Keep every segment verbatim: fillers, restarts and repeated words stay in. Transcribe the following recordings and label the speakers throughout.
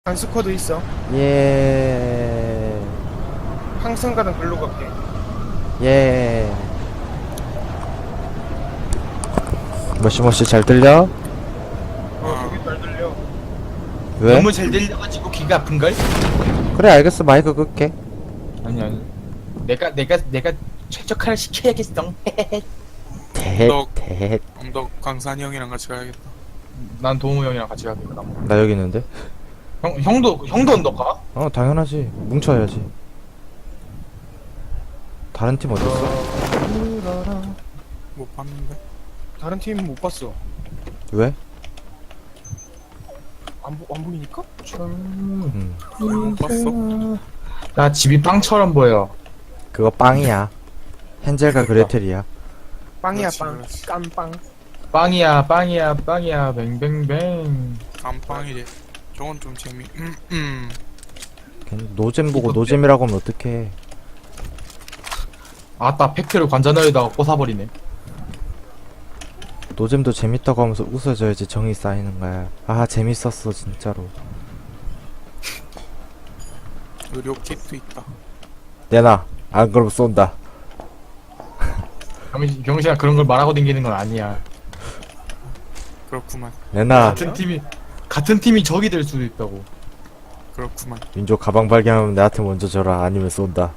Speaker 1: 한 스쿼드 있어.
Speaker 2: 예.
Speaker 1: 항상 가는 글로 갈게.
Speaker 2: 예. 머시머시 잘 들려?
Speaker 1: 어, 되게 잘 들려.
Speaker 2: 왜?
Speaker 3: 너무 잘 들려가지고 귀가 아픈걸?
Speaker 2: 그래 알겠어 마이크 끌게.
Speaker 3: 아니 아니 내가 내가 내가 최적화를 시켜야겠어.
Speaker 2: 대헷
Speaker 4: 너-
Speaker 2: 대헷.
Speaker 4: 너 강산이 형이랑 같이 가야겠다.
Speaker 3: 난 도우 형이랑 같이 가야 되겠다.
Speaker 2: 나 여기 있는데.
Speaker 3: 형 형도 형도 언덕 가?
Speaker 2: 어 당연하지. 뭉쳐야지. 다른 팀 어딨어?
Speaker 4: 못 봤는데.
Speaker 1: 다른 팀 못 봤어.
Speaker 2: 왜?
Speaker 1: 안, 보, 안 보이니까?
Speaker 2: 음.
Speaker 4: 못 봤어?
Speaker 3: 나 집이 빵처럼 보여.
Speaker 2: 그거 빵이야. 헨젤과 그레텔이야.
Speaker 1: 빵이야,
Speaker 4: 그렇지,
Speaker 1: 빵.
Speaker 4: 그렇지.
Speaker 1: 깜빵.
Speaker 3: 빵이야 빵이야 빵이야 뱅뱅뱅.
Speaker 4: 감빵이래. 저건 좀 재미. 음, 음.
Speaker 2: 괜히 노잼 보고 노잼이라고 하면 어떡해.
Speaker 3: 아따 팩트를 관자놀이다가 꽂아버리네.
Speaker 2: 노잼도 재밌다고 하면서 웃어줘야지 정이 쌓이는 거야. 아 재밌었어 진짜로.
Speaker 4: 의료 킥도 있다.
Speaker 2: 내놔. 안 그러면 쏜다.
Speaker 3: 병신, 병신아 그런 걸 말하고 댕기는 건 아니야.
Speaker 4: 그렇구만.
Speaker 2: 내놔.
Speaker 3: 같은 팀이 같은 팀이 적이 될 수도 있다고.
Speaker 4: 그렇구만.
Speaker 2: 민조 가방 발견하면 나한테 먼저 줘라. 아니면 쏜다.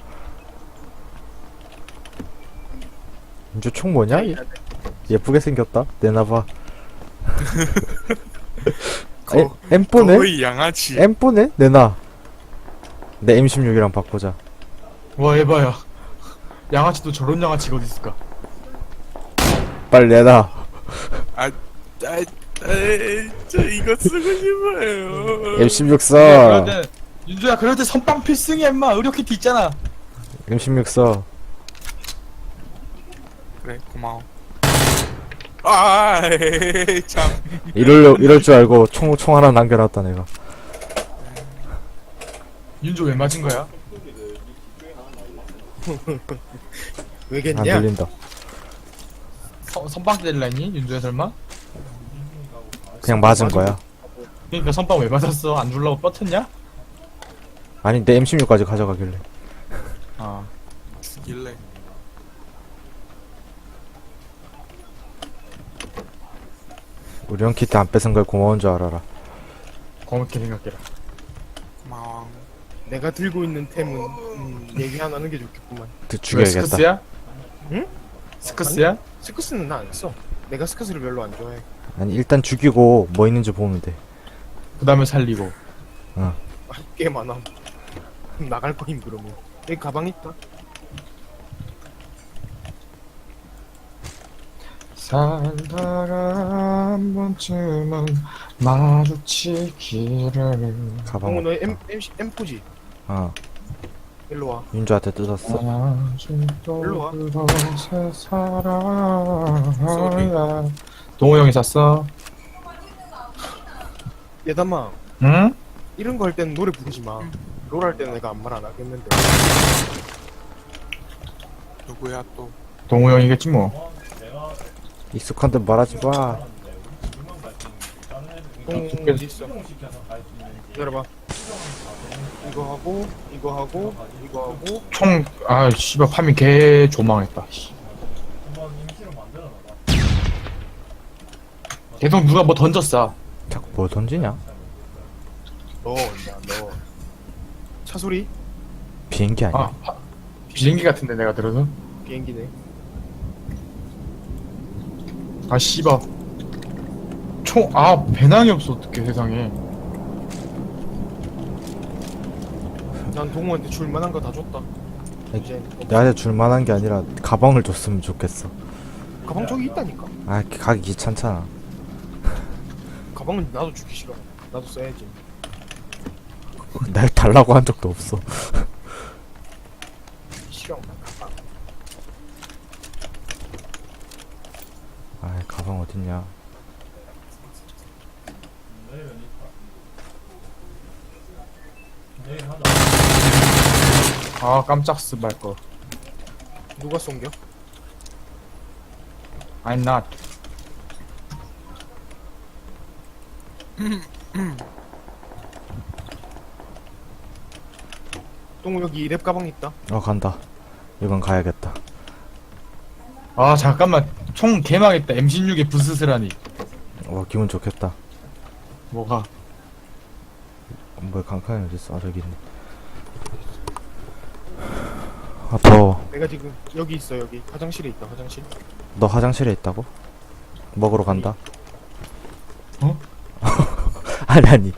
Speaker 2: 민조 총 뭐냐? 예- 예쁘게 생겼다. 내놔봐.
Speaker 4: 거,
Speaker 2: 엠포네?
Speaker 4: 거의 양아치.
Speaker 2: 엠포네? 내놔. 내 엠 십육이랑 바꾸자.
Speaker 3: 와 에바야. 양아치도 저런 양아치가 어디 있을까?
Speaker 2: 빨리 내놔.
Speaker 4: 아, 아, 아, 저 이거 쓰고 싶어요.
Speaker 2: 엠 십육 써.
Speaker 3: 그럴 때 윤주야 그럴 때 선빵 필승이야 임마. 의료 키트 있잖아.
Speaker 2: 엠 십육 써.
Speaker 4: 그래, 고마워. 아, 에이, 참.
Speaker 2: 이럴 이럴 줄 알고 총 총 하나 남겨놨다 내가.
Speaker 3: 윤주 왜 맞은 거야?
Speaker 2: 안
Speaker 1: 왜겠냐?
Speaker 2: 들린다.
Speaker 3: 선, 선빵 때릴라 했니? 윤주야 설마?
Speaker 2: 그냥 맞은 거야.
Speaker 3: 그러니까 선빵 왜 맞았어? 안 줄라고 뻗쳤냐?
Speaker 2: 아니 내 엠 십육까지 가져가길래.
Speaker 3: 아
Speaker 4: 죽일래.
Speaker 2: 우리 형 키트 안 뺏은 걸 고마운 줄 알아라.
Speaker 3: 고맙게 생각해라.
Speaker 4: 고마워.
Speaker 1: 내가 들고 있는 템은 음, 얘기 안 하는 게 좋겠구만.
Speaker 2: 드
Speaker 3: 왜
Speaker 2: 죽여야겠다.
Speaker 3: 스크스야?
Speaker 1: 응?
Speaker 3: 스크스야?
Speaker 1: 스크스는 나 안 써. 내가 스크스를 별로 안 좋아해.
Speaker 2: 아니 일단 죽이고 뭐 있는지 보면 돼.
Speaker 3: 그 다음에 살리고.
Speaker 1: 할 게 많아. 나갈 거임 그러면. 여기 가방 있다.
Speaker 3: 살다가 한 번쯤은 마주치기를.
Speaker 1: 어,
Speaker 2: 가방.
Speaker 1: 너 M, M, 엠포지?
Speaker 2: 어.
Speaker 1: 일로 와.
Speaker 2: 윤주한테 뜯었어.
Speaker 3: 일로
Speaker 1: 와.
Speaker 3: 사랑이야. 동호 형이 샀어?
Speaker 1: 예담아,
Speaker 3: 응?
Speaker 1: 이런 거 할 때는 노래 부르지 마. 롤 할 때는 내가 아무 말 안 하겠는데.
Speaker 4: 누구야 또?
Speaker 3: 동호 형이겠지 뭐.
Speaker 2: 익숙한 듯 말하지 마.
Speaker 1: 똥 어디 있어? 기다려봐. 이거 하고, 이거 하고, 이거 하고.
Speaker 3: 총, 아, 씨발, 파밍 개 조망했다. 씨. 계속 누가 뭐 던졌어.
Speaker 2: 자꾸 뭐 던지냐?
Speaker 1: 너, 야, 너. 차 소리?
Speaker 2: 비행기 아니야?
Speaker 3: 아, 파- 비행기 같은데 내가 들어서.
Speaker 1: 비행기네.
Speaker 3: 아, 씨발. 총, 아, 배낭이 없어, 어떡해, 세상에.
Speaker 1: 난 동호한테 줄 만한 거 다 줬다. 이제
Speaker 2: 나한테 줄 만한 게 아니라 가방을 줬으면 좋겠어.
Speaker 1: 가방 저기 있다니까.
Speaker 2: 아 가기 귀찮잖아.
Speaker 1: 가방은 나도 주기 싫어. 나도 써야지.
Speaker 2: 날 달라고 한 적도 없어.
Speaker 1: 싫어. 나 가방.
Speaker 2: 아 가방 어딨냐?
Speaker 3: 아, 깜짝 스발 거.
Speaker 1: 누가 쏜겨?
Speaker 3: I'm not.
Speaker 1: 똥 여기 랩 가방 있다.
Speaker 2: 어 간다. 이건 가야겠다.
Speaker 3: 아 잠깐만 총 개망했다. 엠 십육에 부스스라니.
Speaker 2: 와 기분 좋겠다.
Speaker 3: 뭐가?
Speaker 2: 뭐야 강칸이 어딨어? 아 저기 있네. 아 더워.
Speaker 1: 내가 지금 여기 있어. 여기 화장실에 있다. 화장실.
Speaker 2: 너 화장실에 있다고? 먹으러 간다.
Speaker 3: 어?
Speaker 2: 아니 아니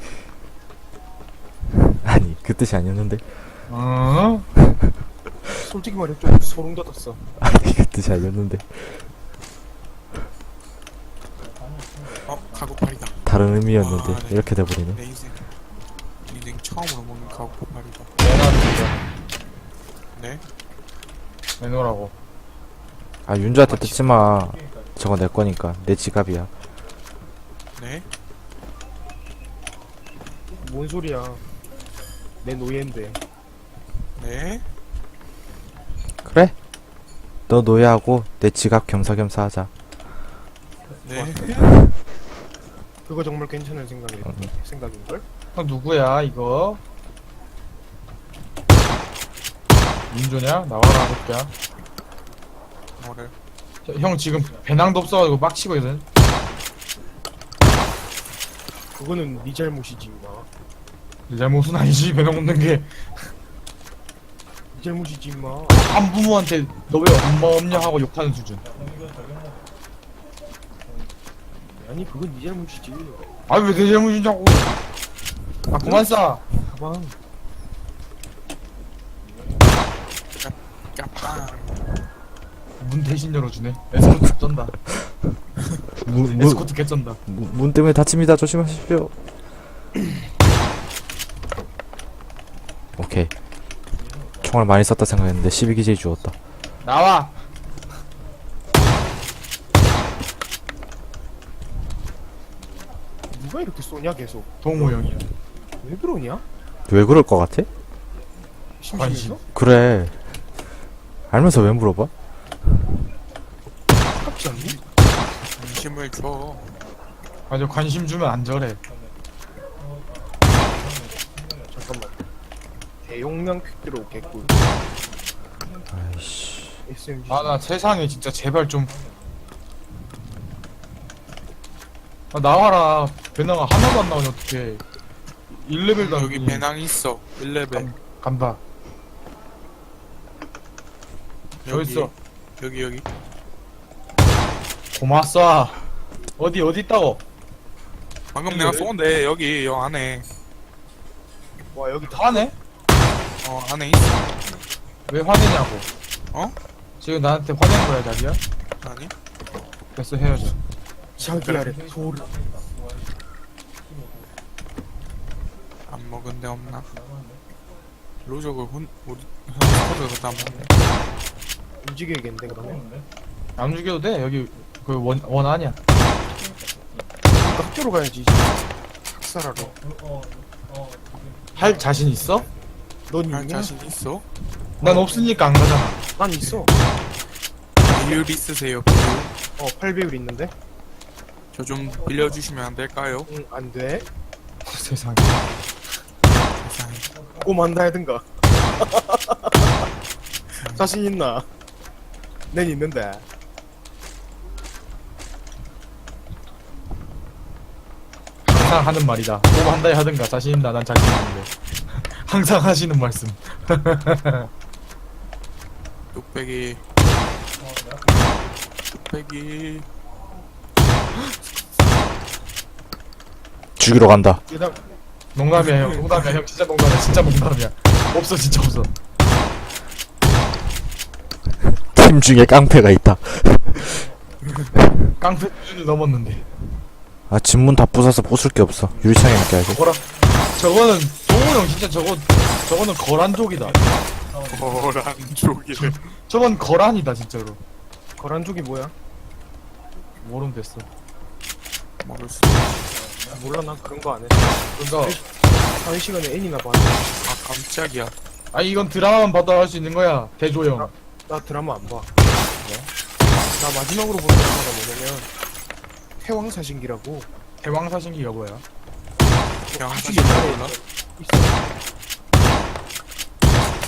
Speaker 2: 아니 그 뜻이 아니었는데.
Speaker 3: 어?
Speaker 1: 솔직히 말해 좀 소름 돋았어.
Speaker 2: 아니 그 뜻이 아니었는데.
Speaker 4: 어 카고팔이다.
Speaker 2: 다른 의미였는데
Speaker 4: 아, 네.
Speaker 2: 이렇게 돼버리네.
Speaker 4: 내 인생 인생 처음으로 먹는 카고팔이다.
Speaker 3: 내놔
Speaker 4: 네?
Speaker 3: 내놓으라고.
Speaker 2: 아 윤주한테 듣지마. 저거 내 거니까 내 지갑이야.
Speaker 4: 네?
Speaker 1: 뭔 소리야? 내 노예인데.
Speaker 4: 네?
Speaker 2: 그래? 너 노예하고 내 지갑 겸사겸사 하자.
Speaker 4: 네?
Speaker 1: 그거 정말 괜찮은 생각이
Speaker 2: 음.
Speaker 1: 생각인 걸?
Speaker 3: 형 누구야 이거? 윤조냐? 나와라 볼게야.
Speaker 4: 뭐를?
Speaker 3: 형 지금 배낭도 없어가지고 빡치거든.
Speaker 1: 그거는 네 잘못이지 임마.
Speaker 3: 내 잘못은 아니지. 배낭 없는 게.
Speaker 1: 네 잘못이지 임마.
Speaker 3: 한부모한테 너 왜 엄마 없냐 하고 욕하는 수준.
Speaker 1: 아니 그건 네 잘못이지.
Speaker 3: 아 왜 내 잘못이냐고. 아 그만 싸.
Speaker 1: 가방.
Speaker 4: 깜빵.
Speaker 3: 문 대신 열어주네. 에스코트 쩐다.
Speaker 2: 문, 문,
Speaker 3: 에스코트 개쩐다.
Speaker 2: 문, 문 때문에 다칩니다. 조심하십시오. 오케이. 총알 많이 썼다 생각했는데 십이 기제이 주웠다.
Speaker 3: 나와.
Speaker 1: 누가 이렇게 쏘냐 계속.
Speaker 3: 동호 형이야.
Speaker 1: 왜 그러냐?
Speaker 2: 왜 그럴 것 같아?
Speaker 1: 심심해서?
Speaker 2: 그래. 알면서 왜 물어봐?
Speaker 1: 아깝지 않니?
Speaker 4: 관심을 줘.
Speaker 3: 맞아 관심 주면 안 저래.
Speaker 1: 잠깐만. 대용량 퀵드로 개꿀.
Speaker 2: 아이씨.
Speaker 1: 에스엠지.
Speaker 3: 아 나 세상에 진짜 제발 좀. 아 나와라. 배낭아 하나도 안 나오냐 어떡해. 일 레벨도
Speaker 4: 여기 배낭 있어. 일 레벨.
Speaker 3: 간다. 여기 있어.
Speaker 4: 여기 여기.
Speaker 3: 고맙어. 어디 어디 있다고?
Speaker 4: 방금 내가 쏜데 여기 여 안에.
Speaker 1: 와 여기 다
Speaker 3: 화내?
Speaker 4: 어 안에 있어.
Speaker 3: 왜 화내냐고.
Speaker 4: 어?
Speaker 3: 지금 나한테 화낸 거야 자기야?
Speaker 4: 아니?
Speaker 3: 됐어 헤어져.
Speaker 1: 자기 아래 소리.
Speaker 4: 안 먹은 데 없나? 로족을 혼 우리 스쿼드가 다 먹네.
Speaker 1: 움직여야겠는데 그러면?
Speaker 3: 안 죽여도 돼. 여기 그 원 원 아니야.
Speaker 1: 그러니까 학교로 가야지 이제. 학살하러.
Speaker 3: 할 자신 있어?
Speaker 1: 넌
Speaker 4: 할
Speaker 1: 있냐?
Speaker 4: 자신 있어?
Speaker 3: 난 없으니까 안 가잖아.
Speaker 1: 난 있어.
Speaker 4: 비율 있으세요 비율?
Speaker 1: 어 팔 배율 있는데?
Speaker 4: 저 좀 빌려주시면 안 될까요?
Speaker 1: 응 안돼.
Speaker 3: 세상에.
Speaker 4: 세상에.
Speaker 1: 꼬만다 해든가. 자신 있나? nen 있는데.
Speaker 3: 항상 하는 말이다. 뭐 한다 하든가 자신 있나 난 자신 있는데. 항상 하시는 말씀.
Speaker 4: 뚝배기 뚝배기
Speaker 2: 죽이러 간다.
Speaker 1: 그다음
Speaker 3: 농담이야 형. 농담이야 형. 진짜 농담이야. 진짜 농담이야. 없어 진짜 없어.
Speaker 2: 팀 중에 깡패가 있다.
Speaker 3: 깡패 수준을 넘었는데.
Speaker 2: 아 집문 다 부숴서 부술 게 없어. 유리창에 맡겨야지.
Speaker 3: 뭐라? 저거는 동호 형 진짜 저거 저거는 거란족이다.
Speaker 4: 거란 쪽이래.
Speaker 3: 저건 거란이다 진짜로.
Speaker 1: 거란족이 뭐야?
Speaker 3: 모르면 됐어.
Speaker 4: 모를 수.
Speaker 1: 몰라 난 그런 거 안 해.
Speaker 3: 그러니까
Speaker 1: 사회 시간에 애니나 봐.
Speaker 4: 아 깜짝이야.
Speaker 3: 아 이건 드라마만 봐도 할 수 있는 거야. 대조형.
Speaker 1: 나 드라마 안 봐. 나 마지막으로 본 드라마가 뭐냐면 태왕사신기라고
Speaker 3: 대왕사신기가 뭐야?
Speaker 4: 그냥
Speaker 1: 아주
Speaker 4: 사실
Speaker 1: 옛날에
Speaker 4: 몰라?
Speaker 1: 있어.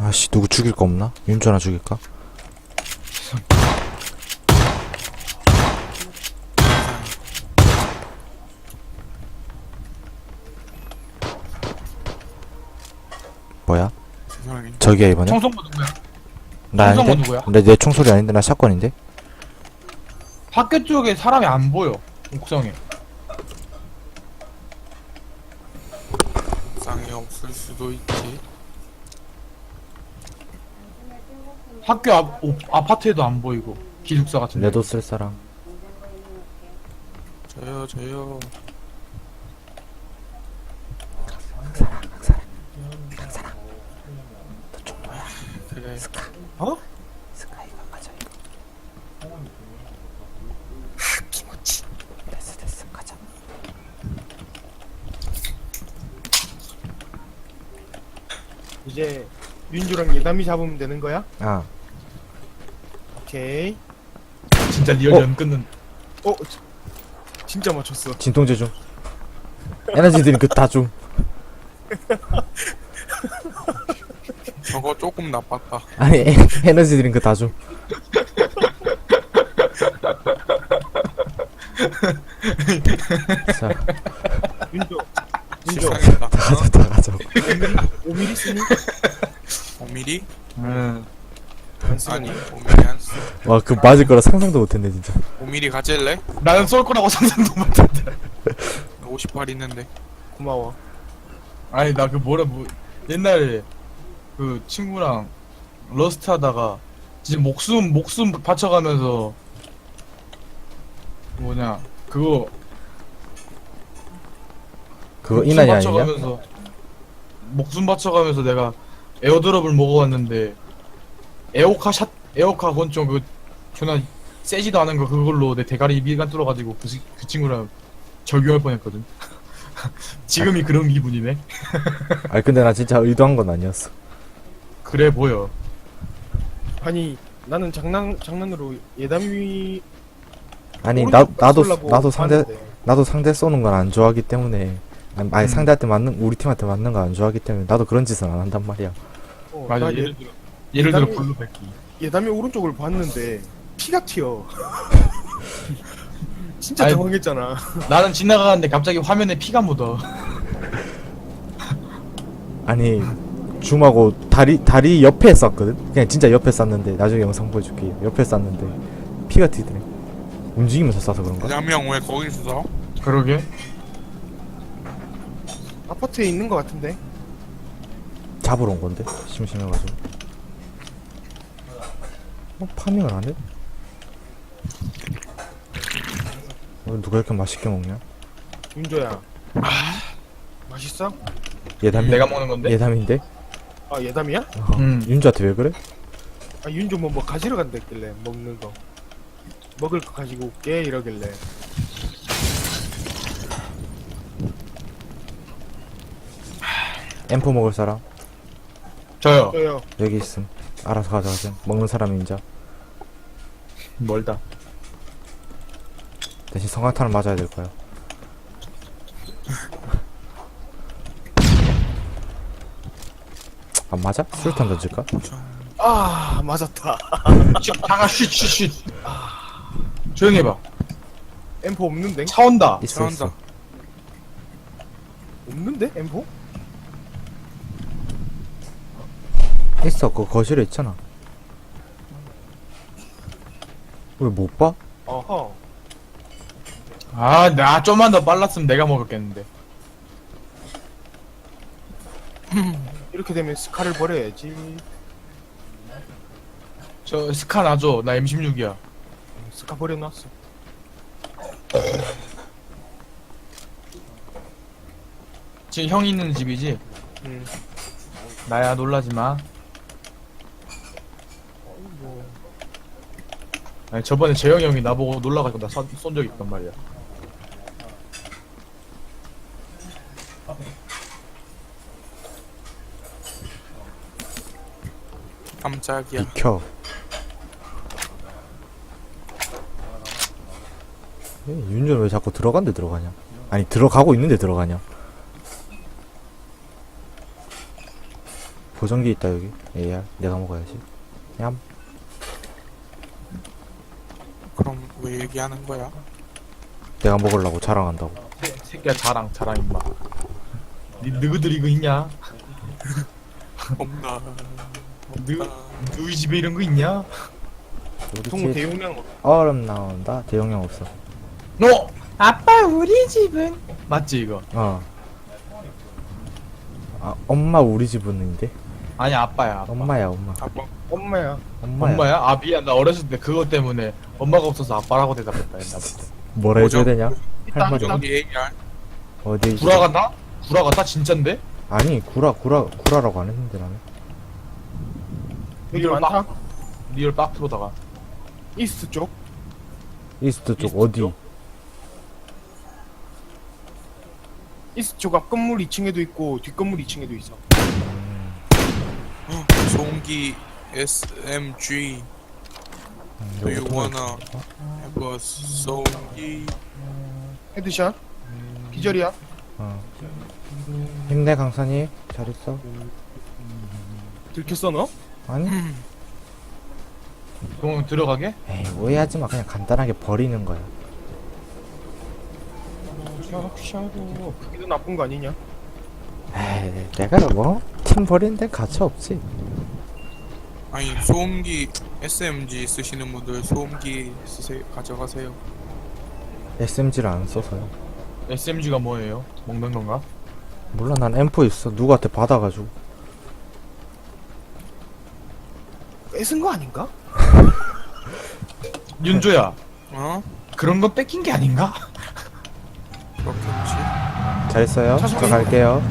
Speaker 2: 아씨 누구 죽일 거 없나? 윤주 하나 죽일까? 뭐야?
Speaker 4: 세상에.
Speaker 2: 저기야 이번에?
Speaker 3: 청소부 누구야?
Speaker 2: 나
Speaker 3: 청소부
Speaker 2: 아닌데?
Speaker 3: 누구야?
Speaker 2: 근데 내 총소리 아닌데 나 샷건인데?
Speaker 3: 학교 쪽에 사람이 안 보여. 옥상에.
Speaker 4: 옥상에 없을 수도 있지.
Speaker 3: 학교 앞, 오, 아파트에도 안 보이고. 기숙사 같은데.
Speaker 2: 내도 쓸 사람.
Speaker 4: 저요 저요. 그래.
Speaker 1: 어?
Speaker 2: 스카이가 가자 이거.
Speaker 4: 키모치.
Speaker 2: 됐어 됐어 가자.
Speaker 1: 이제 윤주랑 예담이 잡으면 되는 거야?
Speaker 2: 아
Speaker 1: 오케이.
Speaker 3: 진짜 리얼
Speaker 2: 어?
Speaker 3: 연 끊는.
Speaker 1: 어, 지- 진짜 맞췄어.
Speaker 2: 진통제 좀. 에너지 드링크 다 좀.
Speaker 4: 저거 조금 나빴다.
Speaker 2: 아니 에, 에너지 드링크 다 좀. 자
Speaker 1: 윤주, 윤주,
Speaker 4: 실상이다.
Speaker 2: 다 가자 다 가자.
Speaker 1: 오 밀리미터 쓰니?
Speaker 4: 오 밀리미터?
Speaker 3: 음.
Speaker 1: 안
Speaker 4: 아니
Speaker 1: 쓰니?
Speaker 4: 오 밀리미터 안 써.
Speaker 2: 와 그 맞을 거라 상상도 못했네 진짜.
Speaker 4: 오 밀리미터 가질래?
Speaker 3: 나는 쏠 거라고 상상도 못했는데.
Speaker 4: 오십팔 있는데.
Speaker 1: 고마워.
Speaker 3: 아니 나 그 뭐라 뭐 옛날에 그 친구랑 러스트 하다가 진짜 목숨 목숨 바쳐가면서 뭐냐 그거
Speaker 2: 그거
Speaker 3: 목숨
Speaker 2: 인환이 아니냐?
Speaker 3: 바쳐가면서 목숨 바쳐가면서 내가 에어드롭을 먹어왔는데 에오카 샷 에오카 권총 그 존나 세지도 않은 거 그걸로 내 대가리 미간 뚫어가지고 그, 시- 그 친구랑 절교할 뻔했거든. 지금이 그런 기분이네.
Speaker 2: 아니 근데 나 진짜 의도한 건 아니었어.
Speaker 3: 그래 보여.
Speaker 1: 아니, 나는 장난, 장난으로 예담이.
Speaker 2: 아니 나
Speaker 1: 오른쪽
Speaker 2: 나도
Speaker 1: 쏠라고
Speaker 2: 나도 상대
Speaker 1: 봤는데.
Speaker 2: 나도 상대 쏘는 건 안 좋아하기 때문에 아니, 아니
Speaker 3: 음.
Speaker 2: 상대한테 맞는 우리 팀한테 맞는 거 안 좋아하기 때문에 나도 그런 짓은 안 한단 말이야.
Speaker 1: 어,
Speaker 3: 맞아.
Speaker 1: 나
Speaker 3: 예를
Speaker 1: 예,
Speaker 3: 들어 예를 들어
Speaker 1: 예담이-
Speaker 3: 블루 백기.
Speaker 1: 예담이 오른쪽을 봤는데 피가 튀어. 진짜
Speaker 3: 아니,
Speaker 1: 당황했잖아.
Speaker 3: 나는 지나가는데 갑자기 화면에 피가 묻어.
Speaker 2: 아니 줌하고 다리 다리 옆에 쐈거든. 그냥 진짜 옆에 쐈는데 나중에 영상 보여줄게. 옆에 쐈는데 피가 튀더래. 움직이면서 쏴서 그런가?
Speaker 4: 대한명 왜 거기 있어?
Speaker 3: 그러게.
Speaker 1: 아파트에 있는 것 같은데.
Speaker 2: 잡으러 온 건데 심심해가지고. 어 파밍을 안 해? 어, 누가 이렇게 맛있게 먹냐?
Speaker 1: 윤조야. 맛있어?
Speaker 2: 예담이
Speaker 3: 내가 먹는 건데.
Speaker 2: 예담인데?
Speaker 1: 아, 예담이야?
Speaker 2: 어,
Speaker 3: 음.
Speaker 2: 윤주한테 왜 그래?
Speaker 1: 아, 윤조 뭐, 뭐 가지러 간다길래 먹는 거. 먹을 거 가지고 올게 이러길래.
Speaker 2: 엠포 먹을 사람?
Speaker 3: 저요.
Speaker 1: 저요.
Speaker 2: 여기 있음. 알아서 가져가세요. 먹는 사람이 인자.
Speaker 3: 멀다.
Speaker 2: 대신 성광탄을 맞아야 될 거야. 안 맞아? 수류탄 던질까?
Speaker 1: 아, 맞았다.
Speaker 3: 잠깐 쉿쉿쉿. 조용히 해봐.
Speaker 1: 엠포 없는데?
Speaker 3: 차 온다.
Speaker 2: 있어 있어.
Speaker 4: 차온다.
Speaker 1: 없는데? 엠포?
Speaker 2: 있어. 그 거실에 있잖아. 왜 못 봐?
Speaker 1: 어허.
Speaker 3: 아, 나 좀만 더 빨랐으면 내가 먹었겠는데.
Speaker 1: 이렇게 되면 스카를 버려야지.
Speaker 3: 저 스카 놔줘. 나 엠 십육이야.
Speaker 1: 스카 버려놨어.
Speaker 3: 지금 형 있는 집이지?
Speaker 1: 응.
Speaker 3: 나야 놀라지 마. 아니 저번에 재영이 형이 나보고 놀라가지고 나 쏜 적이 있단 말이야.
Speaker 4: 깜짝이야.
Speaker 2: 비켜. 예, 윤준 왜 자꾸 들어간데 들어가냐? 아니 들어가고 있는데 들어가냐? 보정기 있다 여기. 에이알 내가 먹어야지. 얌.
Speaker 4: 그럼 왜 얘기하는 거야?
Speaker 2: 내가 먹으려고 자랑한다고.
Speaker 3: 새- 새끼야 자랑 자랑 임마. 니 너희들 이거 있냐?
Speaker 4: 없나?
Speaker 3: 너 너희 집에 이런 거 있냐?
Speaker 2: 우리
Speaker 1: 보통
Speaker 2: 집
Speaker 1: 대용량
Speaker 2: 얼음 나온다. 대용량 없어.
Speaker 3: 너 아빠 우리 집은 맞지 이거?
Speaker 2: 어. 아 엄마 우리 집은인데.
Speaker 3: 아니 아빠야. 아빠.
Speaker 2: 엄마야 엄마.
Speaker 4: 아빠
Speaker 1: 엄마야.
Speaker 2: 엄마야.
Speaker 3: 엄마야? 아 미안 나 어렸을 때 그것 때문에 엄마가 없어서 아빠라고 대답했다 옛날부터.
Speaker 2: 뭐라 해줘야 되냐?
Speaker 1: 있다,
Speaker 2: 할 말이
Speaker 1: 있다.
Speaker 4: 여기 에이알
Speaker 2: 어디?
Speaker 3: 구라 같나? 구라 같다 진짠데?
Speaker 2: 아니 구라 구라 구라라고 안 했는데 나는.
Speaker 1: 여기
Speaker 3: 리얼
Speaker 1: 많다.
Speaker 3: 빡 리얼 빡트로다가
Speaker 1: 이스트 쪽.
Speaker 2: 이스트 쪽
Speaker 3: 이스트
Speaker 2: 어디?
Speaker 3: 쪽?
Speaker 1: 이스트 쪽 앞 건물 이 층에도 있고 뒷 건물 이 층에도 있어.
Speaker 4: 소음기 에스엠지
Speaker 2: 음,
Speaker 4: Do you
Speaker 2: 여기
Speaker 4: wanna have a 소음기
Speaker 1: 헤드샷. 기절이야.
Speaker 2: 어. 힘내 강산이 잘 있어.
Speaker 1: 들켰어 너?
Speaker 2: 아니?
Speaker 3: 그럼 들어가게?
Speaker 2: 에이 오해하지 마. 그냥 간단하게 버리는 거야.
Speaker 1: 샤샤도 그게 더 나쁜 거 아니냐?
Speaker 2: 에이 내가 뭐 팀 버리는 데 가치 없지.
Speaker 4: 아니 소음기 에스엠지 쓰시는 분들 소음기 쓰세요 가져가세요.
Speaker 2: 에스엠지를 안 써서요.
Speaker 3: 에스엠지가 뭐예요? 먹는 건가?
Speaker 2: 몰라 난 엠포 있어. 누구한테 받아가지고.
Speaker 1: 뺏은 거 아닌가?
Speaker 3: 윤조야
Speaker 4: 어?
Speaker 3: 그런 거 뺏긴 게 아닌가?
Speaker 4: 그렇겠지.
Speaker 2: 잘 있어요. 저
Speaker 1: 차선이-
Speaker 2: 갈게요.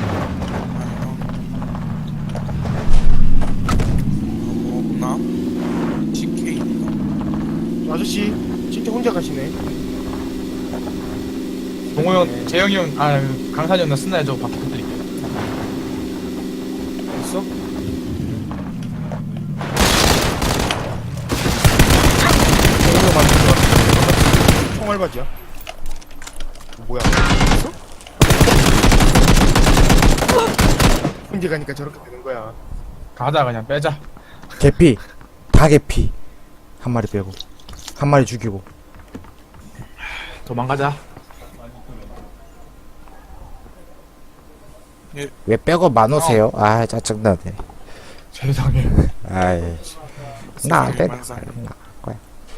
Speaker 4: 뭐 없나? 티케이 있나?
Speaker 1: 저 아저씨 진짜 혼자 가시네.
Speaker 3: 동호 형, 재영이 형, 아 강산이 형 나 쓴나요 저거 바퀴 터뜨릴게.
Speaker 1: 있어? 이거 맞는 거 같아. 총알바지야. 뭐야? 있어? 혼자 가니까 저렇게 되는 거야.
Speaker 3: 가자 그냥 빼자.
Speaker 2: 개피. 다 개피. 한 마리 빼고. 한 마리 죽이고.
Speaker 3: 도망가자.
Speaker 2: 왜 빼고 만오세요? 아 짜증나네.
Speaker 3: 세상에.
Speaker 2: 아이. 나안 돼.
Speaker 4: 만상.
Speaker 2: 나.